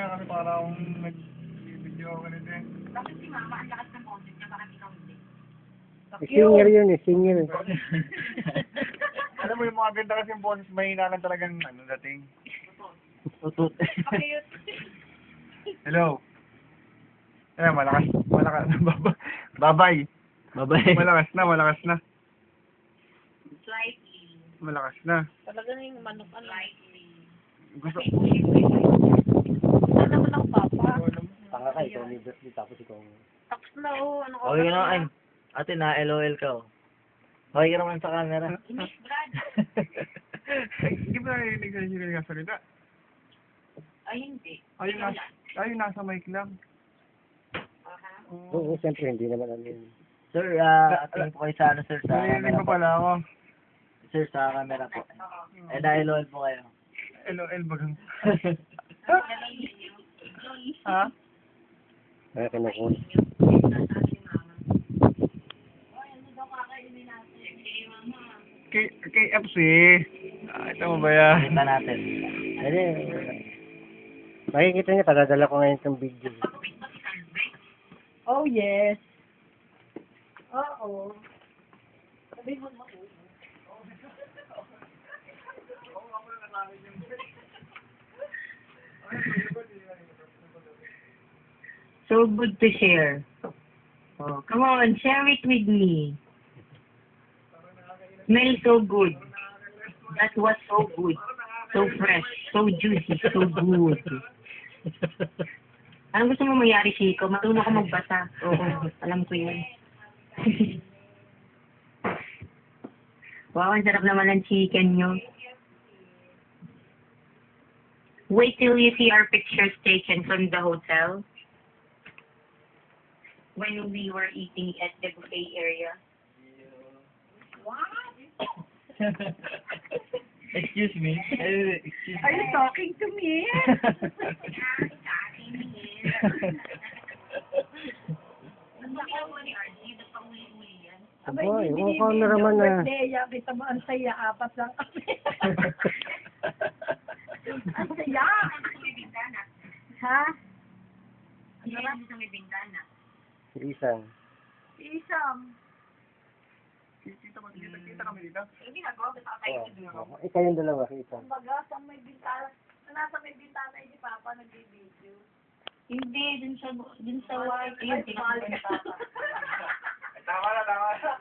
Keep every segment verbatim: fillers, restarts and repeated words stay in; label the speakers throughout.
Speaker 1: Kasi para akong nag-video ako ganito eh.
Speaker 2: Bakit si Mama, ang lakas ng boses niya, bakit ikaw hindi?
Speaker 3: Singer yun eh, singer.
Speaker 1: Alam mo yung mga ganda kasi yung boses, mahina lang talagang ano dating.
Speaker 3: Tutut.
Speaker 2: Pakiyot.
Speaker 1: Hello. Eh, malakas, malakas. Babay.
Speaker 3: Babay.
Speaker 1: Malakas na, malakas na.
Speaker 2: Slightly.
Speaker 1: Malakas na.
Speaker 2: Talaga na yung manok, ano? Slightly.
Speaker 1: Gusto.
Speaker 2: Ano naman ako, Papa?
Speaker 3: Tanga ka, ikaw ni Bertie, tapos ikaw.
Speaker 2: Tapos na, oh. Ano ka?
Speaker 3: Okay ka naman, ay. Ate, na-LOL ka, oh. Okay ka naman sa camera.
Speaker 2: Inis, Brad.
Speaker 1: Hindi ba narinig sa sila yung salita?
Speaker 2: Ay, hindi.
Speaker 1: Ayun, nasa, ayun, nasa mic lang.
Speaker 2: Aha.
Speaker 3: Oo, siyempre, hindi naman ano yun. Sir, ah, ating po kayo sa ano, sir, sa
Speaker 1: Narinig
Speaker 3: camera
Speaker 1: mo
Speaker 3: po.
Speaker 1: pala ako.
Speaker 3: Sir, sa camera po. Eh, na-LOL po kayo.
Speaker 1: LOL bagang.
Speaker 2: Ha?
Speaker 1: Ha?
Speaker 3: Kaya kinukul.
Speaker 1: K KFC. Ah, ito mo ba yan?
Speaker 3: Kita natin. Hindi. Makikita niya, padadala ko ngayon itong video.
Speaker 2: Oh, yes. Oo. Sabi mo na. So good to share. Oh, come on, share it with me. Smell so good. That was so good. So fresh, so juicy, so good. Anong gusto mo mangyari, Chico? Matulog ka magbasa. Oo, alam ko yun. Wow, ang sarap naman ng chicken nyo. Wait till you see our pictures taken from the hotel. When we were eating at the buffet area. What?
Speaker 3: Excuse me. Uh, excuse
Speaker 2: Are you talking to me?
Speaker 3: Aba, yung cameraman na.
Speaker 2: Birthday, kita mo ang saya, apat lang kami. Ang saya! Ha? Ang saya sa may bintana.
Speaker 3: Isang.
Speaker 2: Isang.
Speaker 1: Kita mo, kita, kita kami dito.
Speaker 2: Hindi ginagawa, basta tayo
Speaker 3: Oh, ikaw yung dalawa, isang.
Speaker 2: Kumbaga, sa may bintana, nasa may bintana yung Papa nag-video. Hindi, dun sa, dun sa white. Ayun, tinakot ni Papa.
Speaker 1: Tama na, tama na.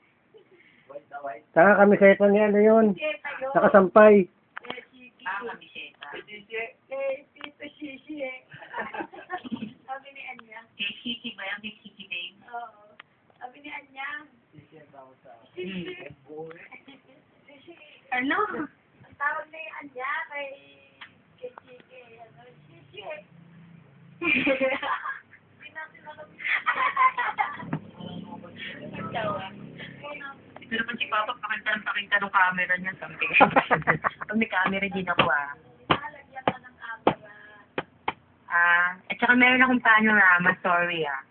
Speaker 3: Saka kami sa ito ni ano yun.
Speaker 2: Tita yun.
Speaker 3: Nakasampay.
Speaker 2: Eh, Chiki.
Speaker 1: Ah,
Speaker 2: kamiseta.
Speaker 1: Chichi.
Speaker 2: Eh, Tito Shishi eh. Sabi ni Anya. Kay Chiki ba yan? Kay Chiki babe? Oo. Sabi ni Anya. Shishi. Ano? Ang tawag ni Anya kay kay Chiki. Ano? Shishi. Hindi natin alam. Ito naman si Papa, pakita ng pakita ng camera niya. Something. Pag may camera din ako ah. Nalagyan ka ng camera. Ah, at saka meron akong panorama, sorry ah.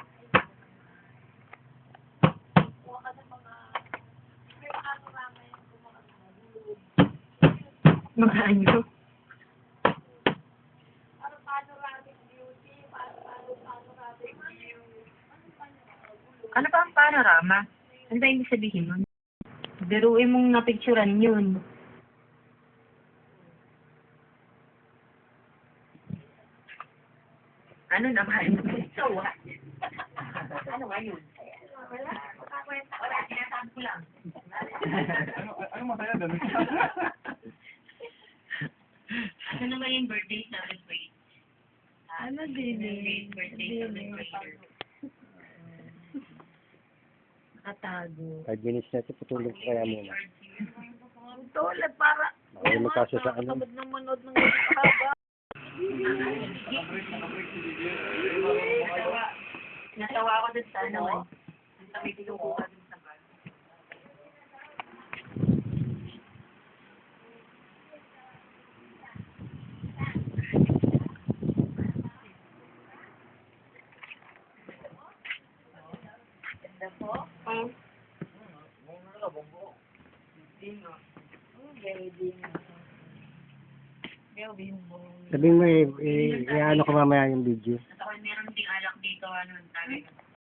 Speaker 2: Kuha ka ng mga, may panorama yung kumakas na lulog. Mga ano? Ano panoramic beauty? Panoramic view? Ano pa ang panorama? Ano ba yung sabihin nun? Biruin mong napicturan yun. Ano naman? So what? Ano nga yun? Wala. Wala. Sinasabi ko lang.
Speaker 1: Ano, ano masaya doon?
Speaker 2: Ano naman yung birthday celebrate? Ano din eh? Birthday celebrate. Nakatago.
Speaker 3: Five minutes na ito, putulog ko kaya muna.
Speaker 2: Tulad para
Speaker 3: Mahulog kaso sa ano.
Speaker 2: Nakabad ng manood ng haba. Natawa ako dun sa ano eh. Sa may pinukuha dun sa bar. Ganda po? Oo. Hindi nga. Very gawin mo.
Speaker 3: Sabihin mo, eh, eh, eh, ano ko mamaya yung video.
Speaker 2: At ako meron ding alak dito, ano, sabi ko.